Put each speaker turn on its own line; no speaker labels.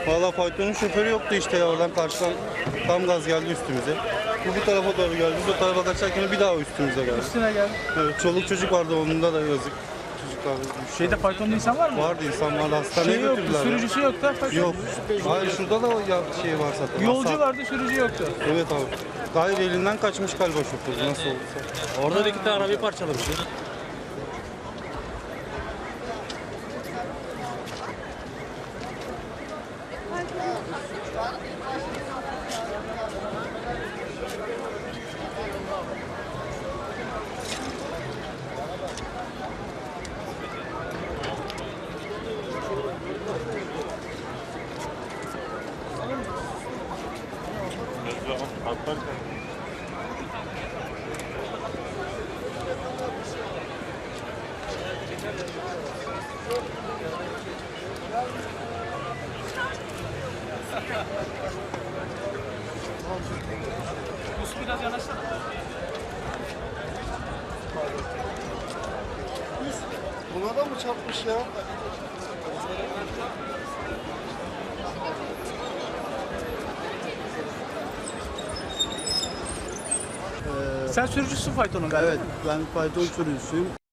Valla faytonun şoförü yoktu işte ya, oradan karşıdan tam gaz geldi üstümüze. Bu tarafa doğru geldi, biz o tarafa kaçarken bir daha üstümüze geldi.
Üstüne geldi.
Evet, çoluk çocuk vardı, onda da yazık. Çocuklar düştü.
Şeyde faytonda insan var mı?
Vardı, insan vardı, hastaneye
Şey yoktu,
götürdüler.
sürücüsü yoktu. Fayton.
Yok. Hayır, şurada da şey var zaten.
Yolcu
Hasar.
vardı, sürücü yoktu.
Evet abi. Hayır, elinden kaçmış galiba şoför, nasıl olursa.
Orada da 2 tane arabayı parçalamış.
Biraz yanaşsana.
Buna da mı çarpmış ya?
Sen sürücüsün faytonun galiba.
Evet, ben fayton sürücüsüyüm.